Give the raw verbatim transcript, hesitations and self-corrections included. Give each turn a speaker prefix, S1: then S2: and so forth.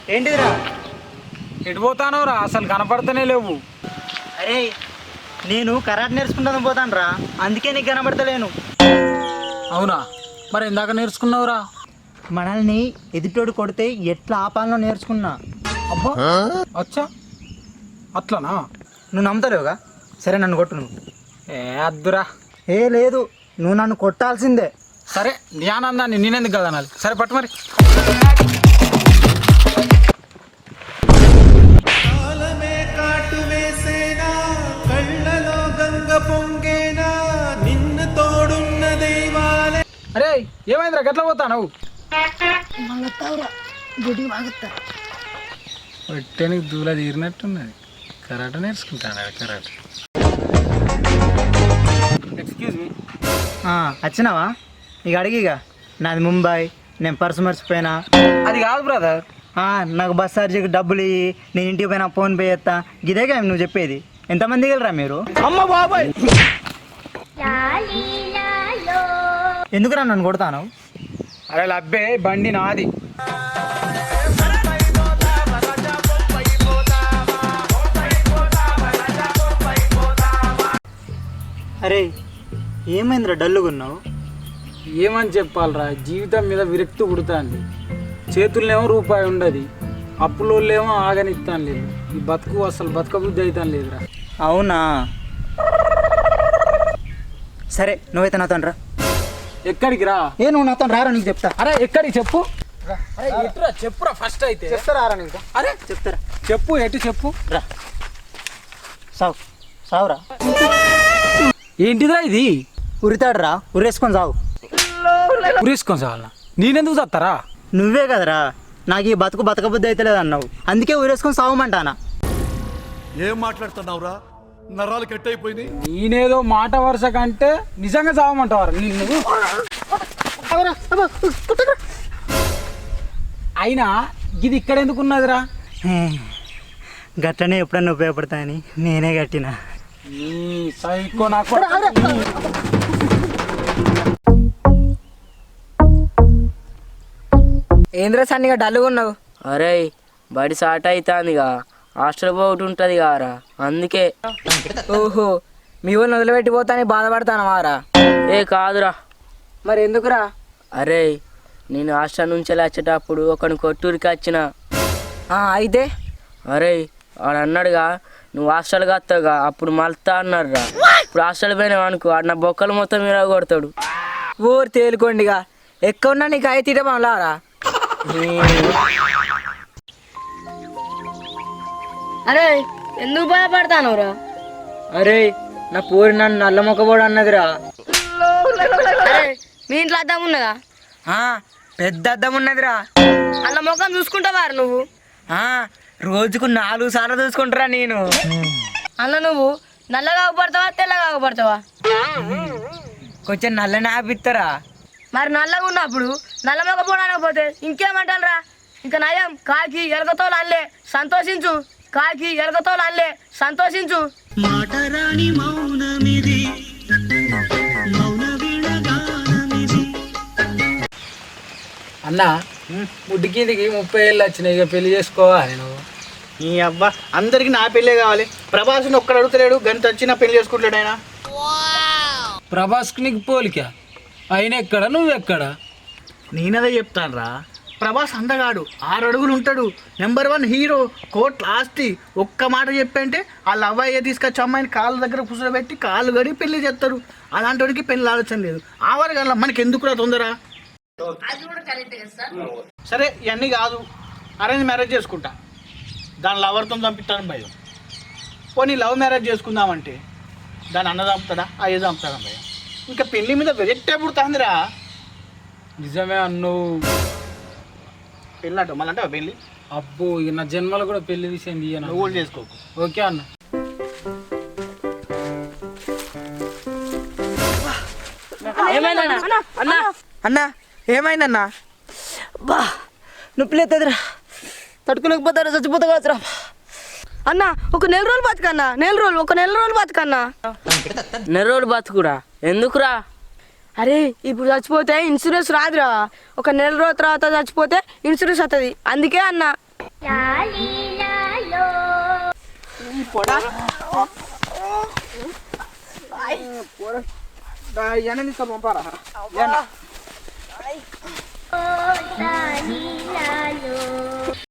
S1: ఏంటిదిరా?
S2: ఎటు పోతానోరా? అసలు కనపడతనే లేవు.
S1: అరే నేను కరాటే నేర్చుకుంటాను పోతాను రా, అందుకే నీకు కనబడతలేను.
S2: అవునా? మరి ఇందాక నేర్చుకున్నావురా?
S1: మనల్ని ఎదుటోడు కొడితే ఎట్లా ఆపాలనో నేర్చుకున్నా.
S2: అబ్బా అచ్చా, అట్లనా?
S1: నువ్వు నమ్ముతలేవుగా? సరే నన్ను కొట్టు నువ్వు.
S2: ఏ అద్దురా.
S1: ఏ లేదు, నువ్వు నన్ను కొట్టాల్సిందే.
S2: సరే నీ ఆనందాన్ని నేనెందుకు కదా అనాలి. సరే పట్టు మరి. అరే ఏమైందిరా గట్ల పోతావు? పట్టేనికి దూల తీరినట్టున్నది. కరాటే నేర్చుకుంటాను. కరాటే. Excuse me.
S1: వచ్చినావా? ఇక అడిగిగా, నాది ముంబై, నేను పర్సు మర్చిపోయినా.
S2: అది కాదు బ్రదర్.
S1: నాకు బస్ ఛార్జీకి డబ్బులు ఇయ్యి, నేను ఇంటికి పోయినా ఫోన్ పే చేస్తా. ఇదేగా నువ్వు చెప్పేది. ఎంతమంది వెళ్ళరా మీరు?
S2: అమ్మ బాబాయ్,
S1: ఎందుకురా నన్ను కొడతాను?
S2: అరే లబ్బే, బండి నాది.
S1: అరే ఏమైందిరా డల్లుగున్నావు?
S2: ఏమని చెప్పాలరా, జీవితం మీద విరక్తి పుడుతుంది. చేతుల్నేమో రూపాయి ఉండదు, అప్పులోళ్ళేమో ఆగనిస్తాను లేదు. ఈ బతుకు అసలు బతుక బుద్ధి అవుతాను లేదురా.
S1: అవునా? సరే నువ్వైతే నాతో రా.
S2: ఎక్కడికి రా?
S1: ఏ నువ్వు నాతో రారా, నీకు చెప్తా.
S2: అరే ఎక్కడికి చెప్పు. అరే ఎటురా చెప్పురా ఫస్ట్ అయితే.
S1: చెప్తారా రా నీకు?
S2: అరే
S1: చెప్తారా,
S2: చెప్పు. ఎటు చెప్పు.
S1: రా సావు సావురా.
S2: ఏంటిదా ఇది?
S1: ఉరితాడు రా, ఉరేసుకొని సావు.
S2: ఉరేసుకొని సావాలనా? నేనెందుకు చస్తారా?
S1: నువ్వే కదరా నాకు ఈ బతుకు బతకబుద్ధి అయితే లేదు అన్నావు, అందుకే ఉరేసుకొని సావమంటానా.
S3: ఏం మాట్లాడుతున్నావురా? నరాలు కట్ అయిపోయింది.
S2: నేనేదో మాట వరుస కంటే నిజంగా చావమంటావారా నిన్ను? అయినా ఇది ఇక్కడ ఎందుకు ఉన్నదిరా?
S1: గట్లనే ఎప్పుడన్నా ఉపయోగపడతా అని నేనే కట్టినా.
S2: నీ సైకో నాకు.
S4: ఏంద్ర సన్నిగా డల్లుగా ఉన్నావు?
S5: అరే బడి సాట అవుతుందిగా, హాస్టల్ పోటీ ఉంటుంది కారా, అందుకే.
S4: ఓహో, మీ ఊరిని వదిలిపెట్టిపోతాని బాధపడతాను వారా?
S5: ఏ కాదురా.
S4: మరి ఎందుకురా?
S5: అరే నేను హాస్టల్ నుంచి వచ్చేటప్పుడు ఒకని కొట్టూరికి వచ్చిన.
S4: అయితే
S5: అరే వాడు అన్నాడుగా, నువ్వు హాస్టల్కి వస్తావుగా, అప్పుడు మళ్తా అన్నాడు రా. ఇప్పుడు హాస్టల్ పోయినావు అనుకో, ఆడు నా బొక్కలు మొత్తం మీద కొడతాడు.
S4: ఊరు తేలుకోండిగా, ఎక్కువన్నా నీకు అయి తీయమలారా.
S6: అరే ఎందుకు భయపడతాను రా?
S4: అరే నా పూరి నన్ను నల్ల మొక్కబోడు అన్నదిరా.
S6: అరే మీ ఇంట్లో అద్దం ఉన్నదా?
S4: పెద్ద అద్దం ఉన్నదిరా.
S6: అల్ల ముఖం చూసుకుంటావారు నువ్వు?
S4: రోజుకు నాలుగు సార్లు చూసుకుంటారా నేను.
S6: అల్ల నువ్వు నల్లగా పడతావా తెల్లగా పడతావా?
S4: కొంచెం నల్లని ఆపిస్తారా?
S6: మరి నల్లగా ఉన్నప్పుడు నల్ల మొక్క పోవడానికి పోతే ఇంకేమంటారా? ఇంకా నయం కాకి ఎలకతో అల్లే సంతోషించు, కాకి ఎలకతో అల్లే సంతోషించు.
S2: అన్న ముడ్డికిందికి ముప్పై ఏళ్ళు వచ్చినాయి, ఇక పెళ్లి చేసుకోవాలి నువ్వు.
S1: ఈ అబ్బా అందరికి నా పెళ్ళే కావాలి. ప్రభాస్ని ఒక్కడ అడుగుతలేడు, గంట వచ్చి నా పెళ్లి చేసుకుంటాడు ఆయన.
S2: ప్రభాస్కి నీకు పోలిక ఆయన ఎక్కడ, నువ్వు ఎక్కడ?
S1: నేనదే చెప్తాను రా. ప్రభాస్ అందగాడు, ఆరు అడుగులు ఉంటాడు, నెంబర్ వన్ హీరో, కోట్ లాస్టి. ఒక్క మాట చెప్పంటే వాళ్ళ అవ్వయ్య తీసుకొచ్చి అమ్మాయిని కాళ్ళ దగ్గర కూర్చోబెట్టి కాళ్ళు గడి పెళ్లి చేస్తారు. అలాంటి వాడికి పెళ్లి ఆలోచన లేదు. ఆవారు కదా మనకి ఎందుకురా తొందర? సరే ఇవన్నీ కాదు, అరేంజ్ మ్యారేజ్ చేసుకుంటా, దాని లవర్తో చంపిస్తాను భయం. పోనీ లవ్ మ్యారేజ్ చేసుకుందామంటే దాని అన్న చంపుతాడా, అయ్యే చంపుతాడా భయం. ఇంకా పెళ్లి మీద వెరెట్టే పుడుతుందిరా.
S2: నిజమే అన్ను.
S1: పెళ్ళి అంట మళ్ళీ అంటే పెళ్ళి
S2: అబ్బో, ఇక నా జన్మలో కూడా పెళ్లి విషయం తీయను.
S1: నువ్వు కూడా చేసుకోకు.
S2: ఓకే అన్న.
S4: అన్నా అన్నా ఏమైందన్నా? బా నొప్పి లేదురా, తట్టుకోలేకపోతారా, చచ్చిపోతా కావచ్చురా.
S6: అన్న ఒక నెల రోజులు బతుకన్నా, నెల రోజులు ఒక నెల రోజులు బతుకన్నా.
S5: నెల రోజులు బతుకురా? ఎందుకురా?
S6: అరే ఇప్పుడు చచ్చిపోతే ఇన్సూరెన్స్ రాదురా, ఒక నెల రోజుల తర్వాత చచ్చిపోతే ఇన్సూరెన్స్ వస్తుంది, అందుకే అన్న.
S1: ఈ పొడ ఇవన్నీ తీసుకో పంపారా
S7: లాలో